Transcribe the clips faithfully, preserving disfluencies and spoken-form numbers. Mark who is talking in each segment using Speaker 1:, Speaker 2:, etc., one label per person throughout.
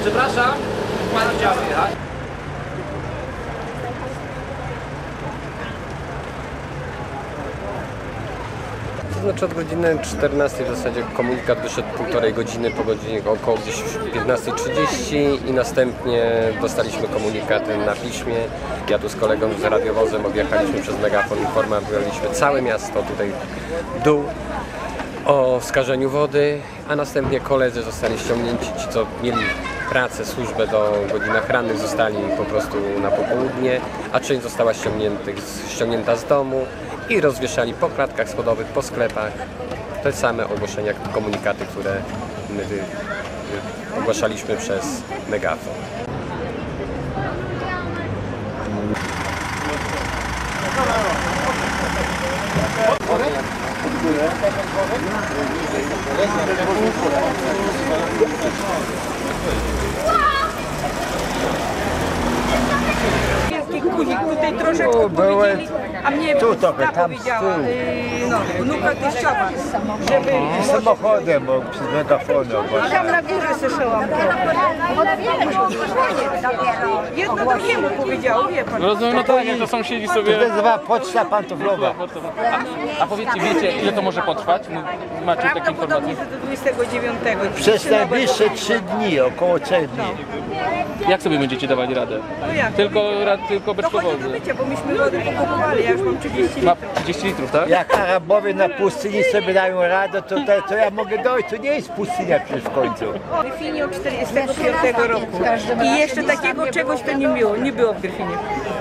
Speaker 1: Przepraszam, pan chciał jechać.
Speaker 2: To znaczy od godziny czternastej w zasadzie komunikat wyszedł półtorej godziny, po godzinie około gdzieś piętnastej trzydzieści i następnie dostaliśmy komunikaty na piśmie. Ja tu z kolegą z radiowozem objechaliśmy przez megafon, informowaliśmy całe miasto, tutaj dół, o skażeniu wody, a następnie koledzy zostali ściągnięci, ci co mieli pracę, służbę do godzinach rannych zostali po prostu na popołudnie, a część została ściągnięta z domu i rozwieszali po klatkach schodowych, po sklepach te same ogłoszenia, komunikaty, które my wy, wy, ogłaszaliśmy przez megafon.
Speaker 3: Guzik tutaj troszeczkę powiedzieli, a mnie
Speaker 4: tu to
Speaker 3: ta
Speaker 4: tam
Speaker 3: powiedziała, yy, no, wnuka teściowa, żeby...
Speaker 4: Samochodem, bo przez megafonem.
Speaker 3: Tam na górze słyszałam to. Jedno drugiemu powiedziało, wie pan.
Speaker 5: Rozumiem, no to nie, to sąsiedzi sobie...
Speaker 4: To nazywa poczta pantoflowa.
Speaker 5: A, a powiedzcie, wiecie, ile to może potrwać? Macie takie
Speaker 3: Prawdopodobnie
Speaker 5: informacje?
Speaker 3: to do dwudziestego dziewiątego.
Speaker 4: Przez najbliższe trzy dni, około trzech dni.
Speaker 5: Jak sobie będziecie dawać radę?
Speaker 3: No jak?
Speaker 5: Tylko, tylko bez
Speaker 3: No chodzi do
Speaker 5: powodu.
Speaker 3: bycia, bo myśmy wody pokupowali, ja już mam trzydzieści
Speaker 5: Ma
Speaker 3: litrów.
Speaker 5: trzydzieści litrów, tak?
Speaker 4: Jak Arabowie na pustyni sobie dają radę, to, to, to ja mogę dojść. To nie jest pustynia przecież w końcu.
Speaker 3: W Gryfinie od czterdziestego piątego roku. I jeszcze takiego czegoś to nie było, nie było w Gryfinie.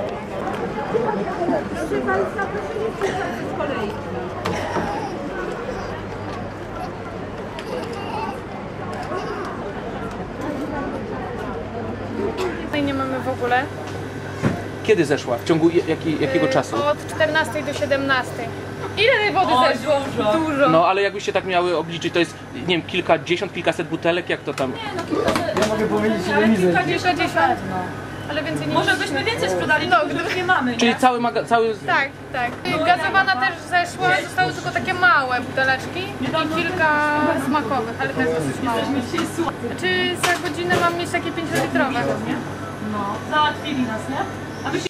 Speaker 6: Nie mamy w ogóle.
Speaker 5: Kiedy zeszła? W ciągu jaki, jakiego czasu?
Speaker 6: Od czternastej do siedemnastej. Ile tej wody zeszło? Dużo.
Speaker 5: No ale jakbyście tak miały obliczyć, to jest, nie wiem, kilkadziesiąt, kilkaset butelek, jak to tam?
Speaker 6: Ja mogę powiedzieć, ile mi zeszło. Kilkadziesiąt. Ale więcej nie.
Speaker 7: Może byśmy więcej sprzedali, no, gdyż nie mamy, nie?
Speaker 5: Czyli cały maga, cały...
Speaker 6: Tak, tak. Gazowana też zeszła, zostały tylko takie małe buteleczki i kilka smakowych, ale to jest dosyć mało. Czy za godzinę mam mieć takie pięciolitrowe?
Speaker 7: No, załatwili nas, nie? A wy się...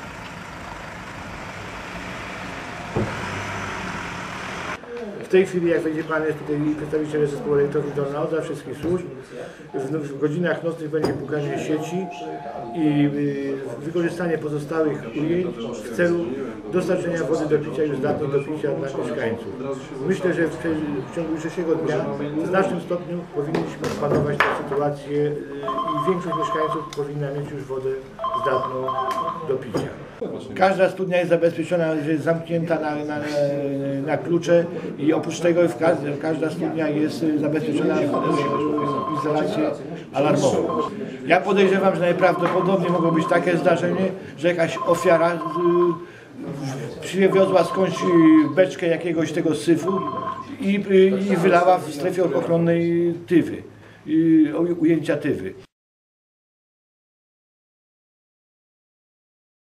Speaker 8: W tej chwili, jak będzie Pan jest tutaj przedstawiciel zespołu elektrowni Dolna Odra, wszystkich służb, w, w godzinach nocnych będzie pukanie sieci i y, wykorzystanie pozostałych ujęć w celu dostarczenia wody do picia już zdatnej do picia dla mieszkańców. Myślę, że w, w ciągu dzisiejszego dnia w znacznym stopniu powinniśmy opanować tę sytuację y, i większość mieszkańców powinna mieć już wodę zdatną do picia. Każda studnia jest zabezpieczona, jest zamknięta na, na, na klucze i oprócz tego każda studnia jest zabezpieczona w izolację alarmową. Ja podejrzewam, że najprawdopodobniej mogło być takie zdarzenie, że jakaś ofiara przywiozła skądś beczkę jakiegoś tego syfu i, i wylała w strefie ochronnej tywy, ujęcia tywy.